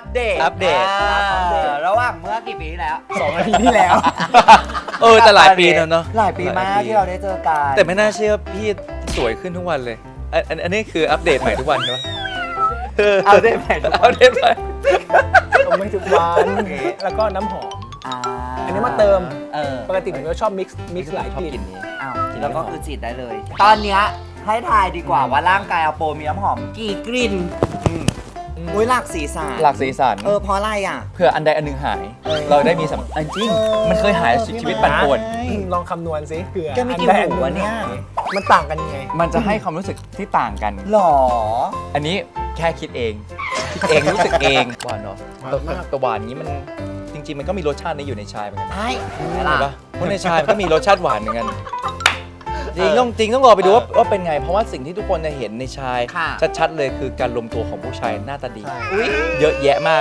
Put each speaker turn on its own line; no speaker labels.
เดต
อัปเดต
ระหว่างเมื่อกี่ปีที่แล้ว
2 อาทิตย์ที่แล้ว
แต่หลายปีแล้วเนาะ
หลายปีมากที่เราได้เจอกัน
แต่ไม่น่าเชื่อพี่สวยขึ้นทุกวันเลยอันนี้คืออัปเดตใหม่ทุกวันใช่ไหม
เอาได้ไหมทุกค
อั
น
ปเดตใหม่
ผมไม่ทุกวัน แล้วก็น้ำหอม อันนี้มาเติม ปกติผมก็ชอบมิกซ์หลาย
ชอบ
ก
กิ
ลิ่
น
น
นี้
อ้าวแล้วก็คือฉีดได้เลย ตอนเนี้ยให้ทายดีกว่าว่าร่างกายอาโปมีน้ำหอมกี่กลิ่นอุ้ยหลากสีสัน
หลากสีสัน
เพราะอะไรอ่ะ
เพื่ออันใดอันหนึ่งหาย เราได้มีจริง มันเคยหายชีวิตปั่นป่วน
ลองคำนวณสิเผื่อ
แกมีกี่
อันใด
หูวะเนี่ย
มันต่างกันยังไง
มันจะให้ความรู้สึกที่ต่างกัน
หรอ
อันนี้แค่คิดเองรู้สึกเองหวานเนาะแต่หวานนี้มันจริง ๆ มันก็มีรสชาตินี้อยู่ในชายเหมือนกัน
ใช่
เห็นปะเพราะในชายมันก็มีรสชาติหวานเหมือนกันจริงต้องรอไปดูว่าเป็นไง เพราะว่าสิ่งที่ทุกคนจะเห็นในชาย ชัดๆเลยคือการรวมตัวของผู้ชายหน้าตาดี
อุ้ย
เยอะแยะมาก